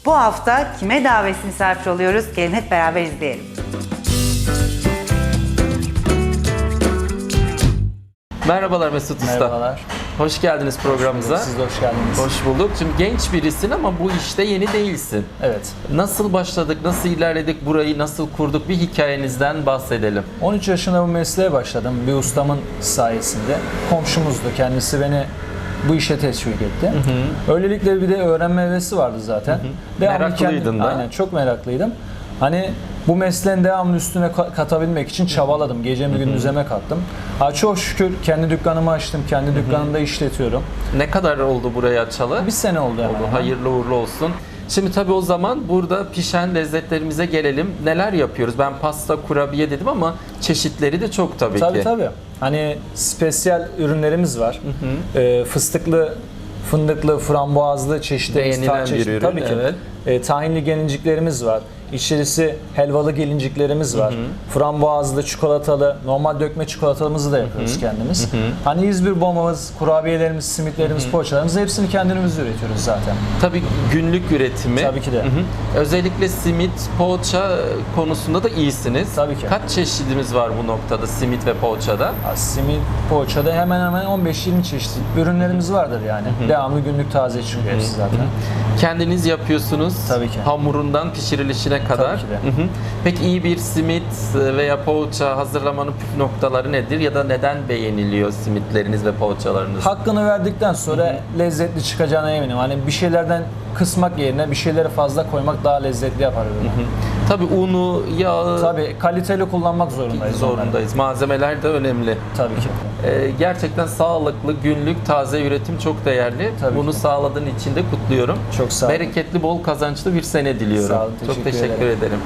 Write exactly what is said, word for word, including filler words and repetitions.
Bu hafta kime davetsiz misafir oluyoruz? Gelin hep beraber izleyelim. Merhabalar Mesut Usta. Merhabalar. Hoş geldiniz programımıza. Siz de hoş geldiniz. Hoş bulduk. Şimdi genç birisin ama bu işte yeni değilsin. Evet. Nasıl başladık, nasıl ilerledik, burayı nasıl kurduk, bir hikayenizden bahsedelim. on üç yaşında bu mesleğe başladım. Bir ustamın sayesinde. Komşumuzdu. Kendisi beni bu işe teşvik etti. Hı hı. Öylelikle bir de öğrenme hevesi vardı zaten. Hı hı. Meraklıydın kendim, da. Aynen, çok meraklıydım. Hani bu mesleğin devamlı üstüne katabilmek için çabaladım. Gecemi gündüzeme kattım. Ha, çok şükür kendi dükkanımı açtım. Kendi dükkanımda işletiyorum. Ne kadar oldu burayı açalı? Bir sene oldu hemen. Oldu. hemen. Hayırlı uğurlu olsun. Şimdi tabii o zaman burada pişen lezzetlerimize gelelim. Neler yapıyoruz? Ben pasta, kurabiye dedim ama çeşitleri de çok tabii, Tabii ki. tabii. Hani spesiyel ürünlerimiz var. Hı hı. Ee, fıstıklı, fındıklı, frambuazlı çeşitlerimiz, Beğenilen tat çeşit- bir ürün, Tabii ki. evet. Ee, tahinli gelinciklerimiz var. İçerisi helvalı gelinciklerimiz var. Hı hı. Frambuazlı, çikolatalı, normal dökme çikolatamızı da yapıyoruz, hı hı, kendimiz. Hı hı. Hani İzmir bombamız, kurabiyelerimiz, simitlerimiz, hı hı, poğaçalarımız hepsini kendimiz üretiyoruz zaten. Tabii günlük üretimi. Tabii ki de. Hı hı. Özellikle simit, poğaça konusunda da iyisiniz. Tabii ki. Kaç çeşidimiz var bu noktada simit ve poğaçada? Ha, simit, poğaçada hemen hemen on beş yirmi çeşit ürünlerimiz vardır yani. Hı hı. Devamlı günlük taze çıkıyor hepsi zaten. Hı hı. Kendiniz yapıyorsunuz. Tabii ki. Hamurundan pişirilişine kadar. Tabii ki de. Hı hı. Peki iyi bir simit veya poğaça hazırlamanın püf noktaları nedir ya da neden beğeniliyor simitleriniz ve poğaçalarınız? Hakkını verdikten sonra, hı hı, lezzetli çıkacağına eminim. Hani bir şeylerden kısmak yerine bir şeyleri fazla koymak daha lezzetli yapar ürünü. Tabii unu, yağı Tabii kaliteli kullanmak zorundayız. zorundayız. Onları. Malzemeler de önemli. Tabii ki. Ee, gerçekten sağlıklı, günlük, taze üretim çok değerli. Tabii Bunu ki. sağladığın için de kutluyorum. Çok sağ olun. Bereketli, bol kazançlı bir sene diliyorum. Sağ olun, çok teşekkür teşekkür ederim. ederim.